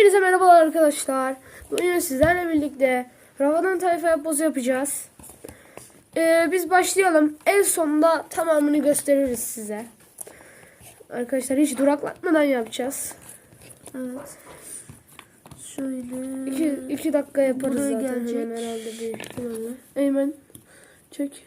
Hepinize merhabalar arkadaşlar. Bugün sizlerle birlikte Ravadan tayfa yapbozu yapacağız. Biz başlayalım. En sonunda tamamını gösteririz size. Arkadaşlar hiç duraklatmadan yapacağız. Evet. Şöyle. 2 dakika yaparız Buraya zaten gelecek. hemen herhalde büyük ihtimalle. Eymen çek.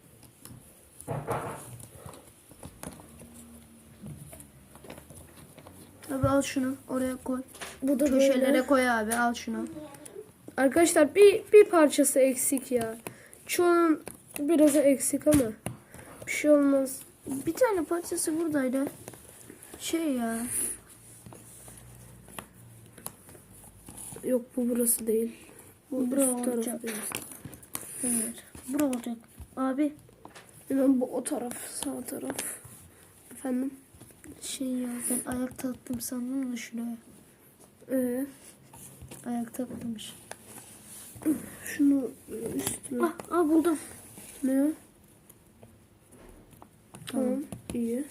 Abi al şunu oraya koy. Bu da Köşelere böyle. koy abi, al şunu. Arkadaşlar bir parçası eksik ya. Çoğunun biraz eksik ama bir şey olmaz. Bir tane parçası buradaydı. Şey ya. Yok bu burası değil. Bu Bura üst taraf olacak. değil. Evet. Bura olacak. Abi Hemen bu o taraf, sağ taraf. Efendim? şey ya, ben ayak taktım sandım da şuraya. Ayak taktımmış. Şunu üstüne. Buldum. Ne o? Tamam, iyi.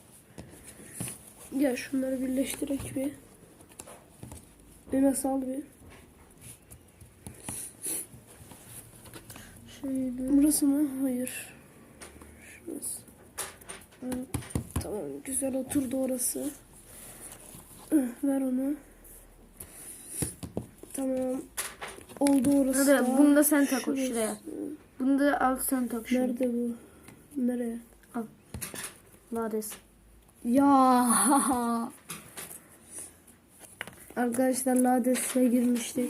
Ya şunları birleştirek bir. Nasıl al bir. Şöyle. Burası mı? Hayır. Şurası. Evet. Tamam, güzel oturdu orası. Ver onu. Tamam. Oldu orası. Hadi da. bunu da sen tak Şurası. şuraya. Bunu da al sen tak şuraya. Nerede bu? Nereye? Lades. Ya arkadaşlar Lades'e girmiştik.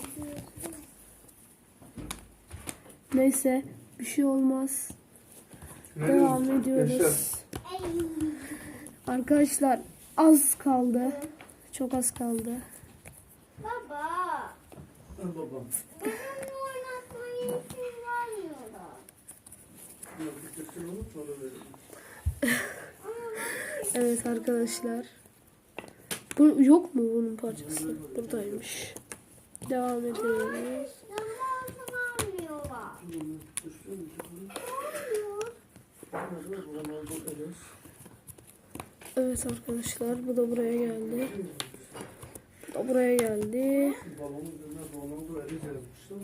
Neyse bir şey olmaz. Devam ediyoruz. Arkadaşlar az kaldı. Çok az kaldı. Baba. Babam. Benimle oynatmayı izin vermiyorlar. Bitirsin onu sonra verelim. Evet arkadaşlar. Bu yok mu bunun parçası? Buradaymış. Devam ediyoruz. Zamanı vermiyorlar. Evet arkadaşlar bu da buraya geldi. Bu da buraya geldi. Balonun üzerine balonda eli yazmışlar.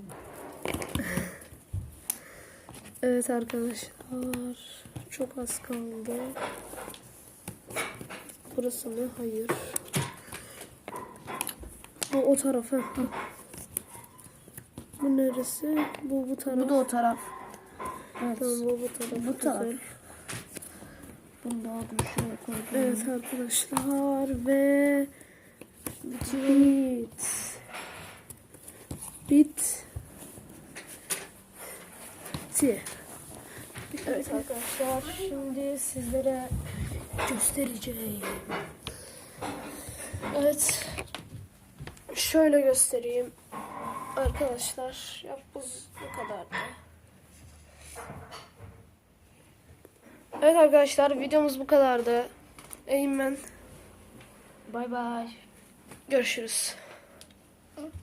Evet arkadaşlar çok az kaldı. Burası mı? Hayır. Bu o tarafa. Bu neresi? Bu taraf. Bu da o taraf. Evet. Tamam bu taraf. Bu taraf. Güzel. Bunu da aldım şuraya koydum. Evet arkadaşlar ve bit. Evet arkadaşlar şimdi sizlere göstereceğim. Evet. Şöyle göstereyim. Arkadaşlar yapboz bu kadardı. Evet arkadaşlar videomuz bu kadardı. Eymen. Bay bay. Görüşürüz.